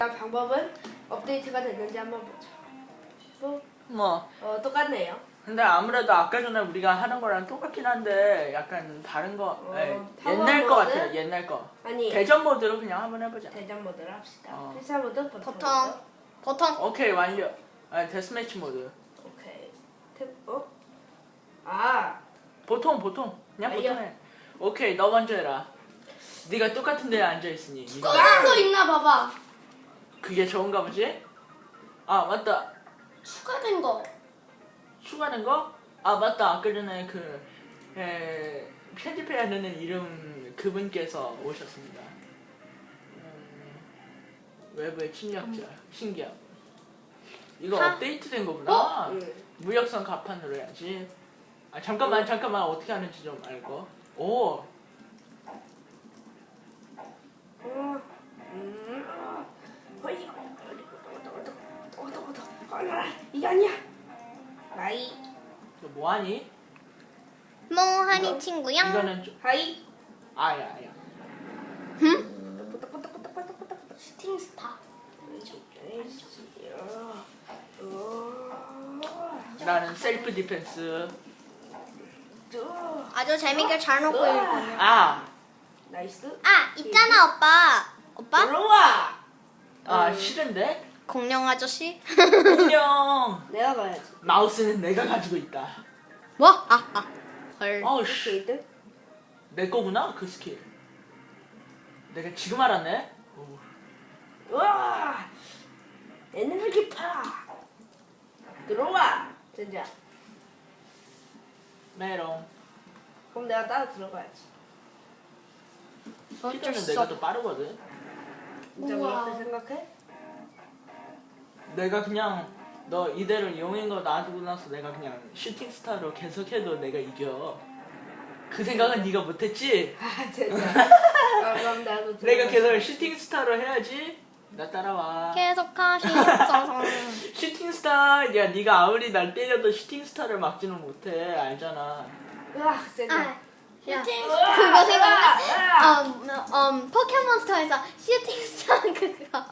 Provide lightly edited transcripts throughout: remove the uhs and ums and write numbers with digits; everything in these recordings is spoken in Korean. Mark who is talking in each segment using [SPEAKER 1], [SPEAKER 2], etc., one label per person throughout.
[SPEAKER 1] 방법은 업데이트가 됐는지 한번 보죠. 똑같네요.
[SPEAKER 2] 근데 아무래도 아까 전에 우리가 하는 거랑 똑같긴 한데 약간 다른 거 옛날 거 같아요. 옛날 거.
[SPEAKER 1] 아니
[SPEAKER 2] 대전 모드로 그냥 한번 해보자.
[SPEAKER 1] 대전 모드로 합시다. 필사 모드
[SPEAKER 3] 보통.
[SPEAKER 2] 오케이 완료. 데스매치 모드.
[SPEAKER 1] 오케이.
[SPEAKER 2] 보통 그냥
[SPEAKER 1] 완료.
[SPEAKER 2] 보통 해. 오케이 너 먼저 해라. 네가 똑같은 데에 앉아있으니
[SPEAKER 3] 추가된 거 있나 봐봐.
[SPEAKER 2] 그게 좋은가 보지? 아 맞다.
[SPEAKER 3] 추가된 거.
[SPEAKER 2] 추가된 거? 아 맞다. 아까 전에 편집해야 되는 이름 그분께서 오셨습니다. 외부의 침략자 신기하고. 이거 업데이트된 거구나. 무역선 가판으로 해야지. 잠깐만 어떻게 하는지 좀 알고. 오.
[SPEAKER 1] 이게 아니야. 하이.
[SPEAKER 2] 너 뭐하니?
[SPEAKER 3] 뭐하니 친구야?
[SPEAKER 2] 이거는 좀
[SPEAKER 1] 하이.
[SPEAKER 2] 아야.
[SPEAKER 3] 슈팅 스타.
[SPEAKER 2] 나는 셀프 디펜스.
[SPEAKER 3] 아주 재밌게 잘 놓고 있군요.
[SPEAKER 1] 나이스.
[SPEAKER 3] 있잖아 오빠.
[SPEAKER 1] 들어와.
[SPEAKER 2] 싫은데?
[SPEAKER 3] 공룡 아저씨.
[SPEAKER 2] 안녕.
[SPEAKER 1] 내가 가야지.
[SPEAKER 2] 마우스는 내가 가지고 있다.
[SPEAKER 3] 뭐? 헐.
[SPEAKER 2] 씨.
[SPEAKER 1] 게이드.
[SPEAKER 2] 내 거구나 그 스킬. 내가 지금 알았네.
[SPEAKER 1] 우와. 에너지 파. 들어와. 진짜.
[SPEAKER 2] 메롱.
[SPEAKER 1] 그럼 내가 따라 들어가야지.
[SPEAKER 2] 실제는 내가 더 빠르거든.
[SPEAKER 1] 진짜
[SPEAKER 3] 우와.
[SPEAKER 1] 그렇게 생각해?
[SPEAKER 2] 내가 그냥 너 이대로 이용인 거 놔두고 나서 내가 그냥 슈팅 스타로 계속해도 내가 이겨. 그 생각은 네가 못했지?
[SPEAKER 1] 진짜. 그럼 나도 들어가.
[SPEAKER 2] 내가 계속 슈팅 스타로 해야지. 나 따라와.
[SPEAKER 3] 계속하시죠.
[SPEAKER 2] 슈팅 스타. 야 네가 아무리 날 때려도 슈팅 스타를 막지는 못해. 알잖아.
[SPEAKER 1] 으악, 진짜.
[SPEAKER 3] 슈팅 스타 그거 생각나? 포켓몬스터에서 슈팅 스타 그거.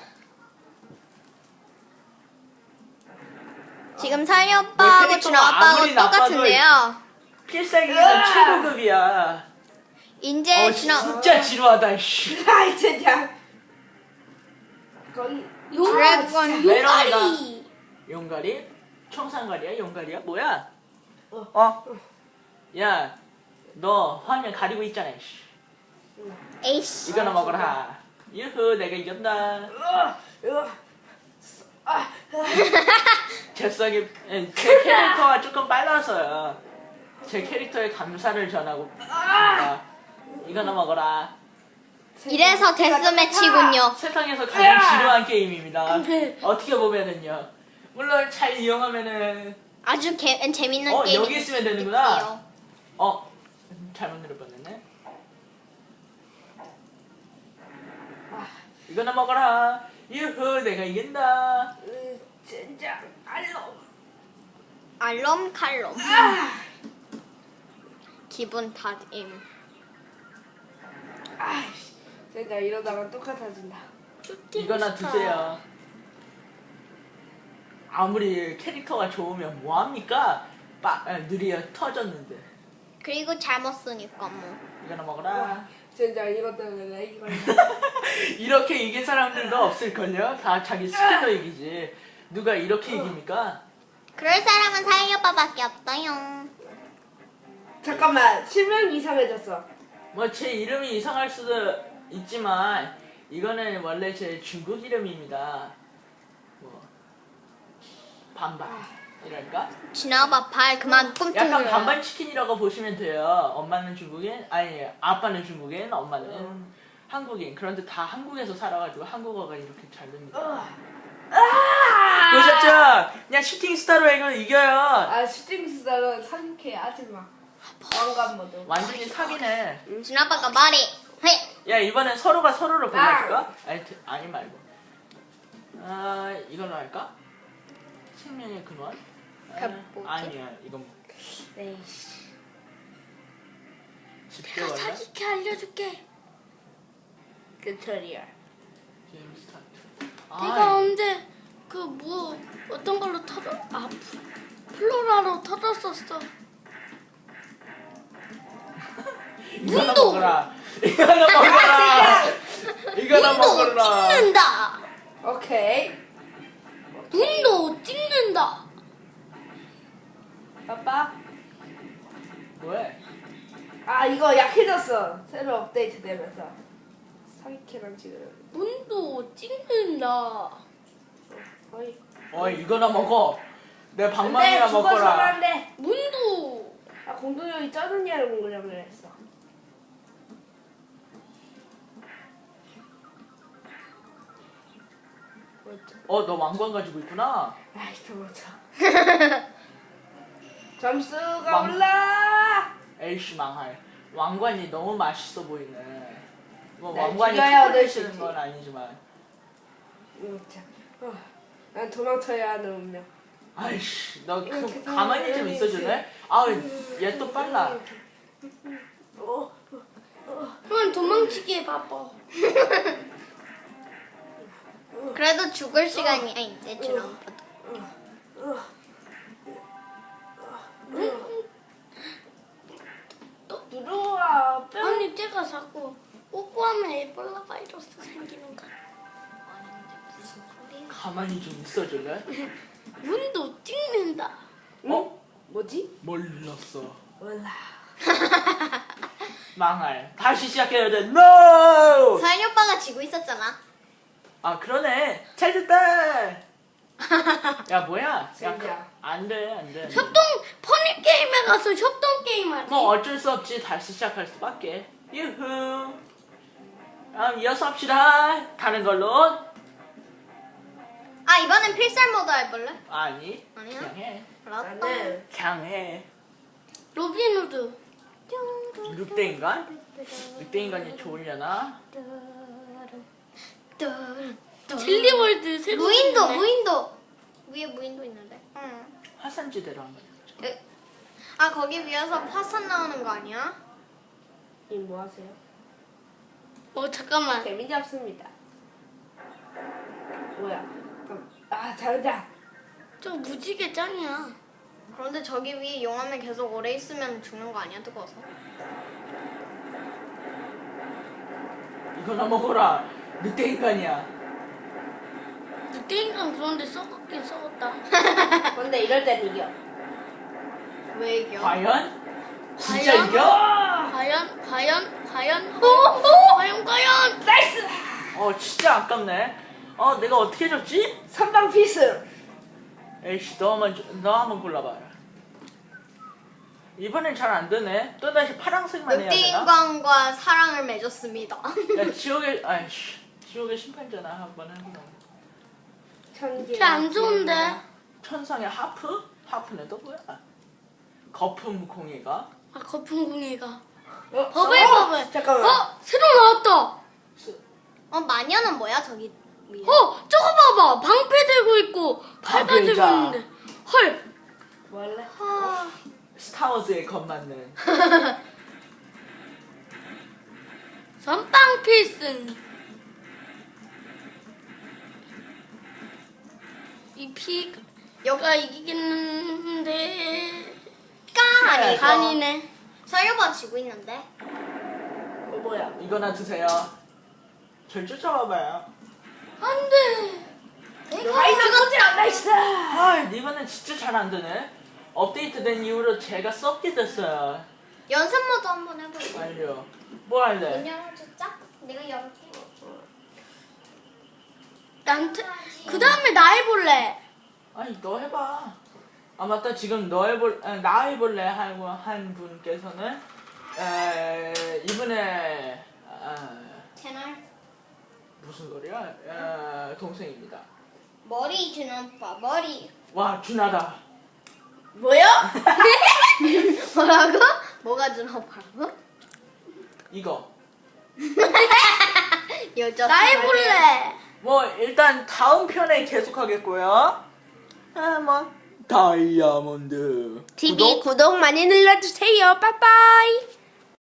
[SPEAKER 3] 지금 사리 오빠하고
[SPEAKER 2] 캐릭터가
[SPEAKER 3] 준호 아빠하고
[SPEAKER 2] 아무리 나빠도
[SPEAKER 3] 똑같은데요.
[SPEAKER 2] 필살기는 최고급이야.
[SPEAKER 3] 이제 준호
[SPEAKER 2] 진짜 지루하다. 씨.
[SPEAKER 1] 아이, 진짜. 거기.
[SPEAKER 3] 드래곤
[SPEAKER 2] 메롱이다. 용가리? 청산가리야? 용가리야? 뭐야? 야, 너 화면 가리고 있잖아. 씨.
[SPEAKER 3] 에이씨.
[SPEAKER 2] 이거나 먹어라. 유후, 내가 이겼다. 제 캐릭터가 조금 빨라서요. 제 캐릭터에 감사를 전하고 있습니다. 이거나 먹어라.
[SPEAKER 3] 이래서 데스매치군요.
[SPEAKER 2] 세상에서 가장 지루한 게임입니다. 어떻게 보면은요. 물론 잘 이용하면은
[SPEAKER 3] 아주 재밌는 게임.
[SPEAKER 2] 여기 있으면 되는구나. 잘못 누르봤네. 이거나 먹어라. 유후, 내가 이긴다.
[SPEAKER 1] 진짜.
[SPEAKER 3] 알롬칼롬. 기분 탓임.
[SPEAKER 1] 아이씨. 진짜 이러다가 똑같아진다.
[SPEAKER 2] 이거나 드세요. 아무리 캐릭터가 좋으면 뭐합니까? 느리어 터졌는데.
[SPEAKER 3] 그리고 잘못 쓰니까 뭐.
[SPEAKER 2] 이거나 먹어라.
[SPEAKER 1] 진짜 이것 때문에 이걸.
[SPEAKER 2] 이렇게 이긴 사람들도 없을걸요? 다 자기 스킬로 이기지. 누가 이렇게 이깁니까?
[SPEAKER 3] 그럴 사람은 사이 오빠밖에 없어요.
[SPEAKER 1] 잠깐만. 실명 이상해졌어.
[SPEAKER 2] 뭐 제 이름이 이상할 수도 있지만 이거는 원래 제 중국 이름입니다. 뭐 반반이랄까?
[SPEAKER 3] 준호 오빠 발 그만 꿈틀.
[SPEAKER 2] 약간 반반 치킨이라고 보시면 돼요. 엄마는 중국인, 아니 아빠는 중국인, 엄마는 한국인. 그런데 다 한국에서 살아가지고 한국어가 이렇게 잘 됩니다. 보셨죠? 그냥 슈팅 스타로 이거 이겨요.
[SPEAKER 1] 슈팅 스타는 상쾌해. 하지마. 왕관 모드.
[SPEAKER 2] 완전히 사기네.
[SPEAKER 3] 준호 오빠가 말이. 헤이.
[SPEAKER 2] 야 이번엔 서로가 서로를 골라줄까? 아니 말고. 이걸로 할까? 생명의 근원?
[SPEAKER 3] 뭐지?
[SPEAKER 2] 아니야 이건
[SPEAKER 1] 에이씨.
[SPEAKER 2] 집게 걸려?
[SPEAKER 3] 사기캐 알려줄게.
[SPEAKER 1] 그 처리야.
[SPEAKER 2] 게임 스타트.
[SPEAKER 4] 내가 언제 그 뭐 어떤 걸로 플로라로 털었었어.
[SPEAKER 2] 이거나
[SPEAKER 4] 문도!
[SPEAKER 2] 먹어라. 이거나 먹어라. 이거나
[SPEAKER 4] 문도
[SPEAKER 2] 먹어라.
[SPEAKER 4] 찍는다.
[SPEAKER 1] 오케이.
[SPEAKER 4] 문도 찍는다.
[SPEAKER 1] 아빠.
[SPEAKER 2] 왜?
[SPEAKER 1] 아 이거 약해졌어. 새로 업데이트 되면서. 사기캐랑 지금.
[SPEAKER 4] 문도 찍는다.
[SPEAKER 1] 어이.
[SPEAKER 2] 이거나 먹어. 내
[SPEAKER 1] 안돼
[SPEAKER 2] 방망이나
[SPEAKER 1] 죽어서는
[SPEAKER 2] 먹어라.
[SPEAKER 1] 안돼.
[SPEAKER 4] 문도
[SPEAKER 1] 아 공동력이 쩌느냐를 공부를 했어. 뭐였죠?
[SPEAKER 2] 너 왕관 가지고 있구나.
[SPEAKER 1] 아이 도망쳐. 점수가
[SPEAKER 2] 왕-
[SPEAKER 1] 올라.
[SPEAKER 2] 에이씨 망할. 왕관이 너무 맛있어 보이네. 뭐
[SPEAKER 1] 날
[SPEAKER 2] 왕관이
[SPEAKER 1] 죽여야
[SPEAKER 2] 특별히
[SPEAKER 1] 얻을 수
[SPEAKER 2] 쓰는
[SPEAKER 1] 있지.
[SPEAKER 2] 건 아니지만.
[SPEAKER 1] 진짜. 난 도망쳐야 하는 운명.
[SPEAKER 2] 아이씨, 너
[SPEAKER 1] 이렇게
[SPEAKER 2] 가만히 좀 있어줄래? 얘 또 빨라.
[SPEAKER 4] 형은 도망치기에 바빠.
[SPEAKER 3] 그래도 죽을 시간이야 이제 드럼프도.
[SPEAKER 1] 들어와.
[SPEAKER 4] 아니 제가 자꾸 뽀뽀하면 에볼라 바이러스 생기는 거.
[SPEAKER 3] 무슨 소리야?
[SPEAKER 2] 가만히 좀 있어줄래?
[SPEAKER 4] 문도 찍는다.
[SPEAKER 1] 뭐지?
[SPEAKER 2] 몰랐어.
[SPEAKER 1] 몰라.
[SPEAKER 2] 망할. 다시 시작해야 돼. NO!
[SPEAKER 3] 서현이 오빠가 지고 있었잖아.
[SPEAKER 2] 아 그러네. 잘 됐다. 야 뭐야?
[SPEAKER 1] 진짜.
[SPEAKER 2] 안돼.
[SPEAKER 4] 협동 퍼니 게임에 가서 협동 게임 하지.
[SPEAKER 2] 뭐 어쩔 수 없지. 다시 시작할 수밖에. 유후. 이어서 합시다. 다른 걸로.
[SPEAKER 3] 아 이번엔 필살 모드 해볼래?
[SPEAKER 2] 아니.
[SPEAKER 3] 아니야?
[SPEAKER 2] 그냥 해.
[SPEAKER 3] 알았다.
[SPEAKER 1] 나는
[SPEAKER 2] 그냥 해.
[SPEAKER 4] 로빈후드.
[SPEAKER 2] 늑대인간? 늑대인간이 좋으려나?
[SPEAKER 4] 젤리월드 새로
[SPEAKER 3] 무인도
[SPEAKER 4] 생겼네.
[SPEAKER 3] 무인도 위에 무인도 있는데. 응.
[SPEAKER 2] 화산지대로 한 거야.
[SPEAKER 3] 아 거기 위에서 화산 나오는 거 아니야?
[SPEAKER 1] 뭐 하세요?
[SPEAKER 4] 잠깐만.
[SPEAKER 1] 재미 잡습니다. 뭐야? 잘한다.
[SPEAKER 4] 저 무지개 짱이야.
[SPEAKER 3] 그런데 저기 위에 용암에 계속 오래 있으면 죽는 거 아니야 뜨거워서?
[SPEAKER 2] 이거나 먹어라. 늑대인간이야.
[SPEAKER 4] 늑대인간 그런데 썩었긴 썩었다.
[SPEAKER 1] 근데 이럴 땐 이겨.
[SPEAKER 3] 왜 이겨?
[SPEAKER 2] 과연? 진짜
[SPEAKER 4] 과연?
[SPEAKER 2] 이겨?
[SPEAKER 4] 과연? 과연?
[SPEAKER 1] 나이스!
[SPEAKER 2] 진짜 아깝네. 내가 어떻게 졌지?
[SPEAKER 1] 선방 필승.
[SPEAKER 2] 에이씨, 너 한번 골라봐. 이번엔 잘 안 되네. 또다시 파란색만 해야 되나?
[SPEAKER 3] 늑대인간과 사랑을 맺었습니다.
[SPEAKER 2] 야, 지옥의 심판자나 한번 해보자.
[SPEAKER 1] 천개.
[SPEAKER 4] 쟤안 좋은데?
[SPEAKER 2] 천상의 하프? 하프는 또 뭐야? 거품 공이가?
[SPEAKER 4] 아 거품궁이가.
[SPEAKER 1] 버블
[SPEAKER 4] 버블.
[SPEAKER 1] 잠깐만.
[SPEAKER 4] 새로 나왔다.
[SPEAKER 3] 마녀는 뭐야 저기 위에?
[SPEAKER 4] 저거 봐봐. 방패 들고 있고 칼 가지고
[SPEAKER 2] 방패자.
[SPEAKER 4] 있는데. 헐.
[SPEAKER 1] 뭐 할래?
[SPEAKER 2] 스타워즈에 겁맞는.
[SPEAKER 4] 선빵 필승. 이 피가 이기겠는데.
[SPEAKER 3] 깡 아니야 이거?
[SPEAKER 4] 아니네.
[SPEAKER 3] 서현이 오빠 지고 있는데.
[SPEAKER 1] 뭐야?
[SPEAKER 2] 이거나 드세요. 절 쫓아와봐요.
[SPEAKER 4] 안 돼.
[SPEAKER 1] 파이널 포즈랑 나이스!
[SPEAKER 2] 이번엔 진짜 잘 안 되네. 업데이트된 이후로 제가 썩게 됐어요.
[SPEAKER 3] 연습 모드 한번 해볼래?
[SPEAKER 2] 완료. 뭐 할래?
[SPEAKER 3] 문 열어줄까? 내가 열게.
[SPEAKER 4] 그 다음에 나 해볼래.
[SPEAKER 2] 아니 너 해봐. 맞다. 지금 나 해볼래 하고 한 분께서는 이분의
[SPEAKER 3] 채널
[SPEAKER 2] 무슨 소리야? 동생입니다.
[SPEAKER 3] 머리 주는 오빠 머리.
[SPEAKER 2] 와 준하다.
[SPEAKER 1] 뭐야?
[SPEAKER 3] 뭐라고? 뭐가 주는 오빠라고?
[SPEAKER 2] 이거.
[SPEAKER 3] 여자.
[SPEAKER 4] 나 해볼래.
[SPEAKER 2] 뭐 일단 다음 편에 계속하겠고요. 다이아몬드.
[SPEAKER 1] TV 구독 많이 눌러주세요. 빠빠이.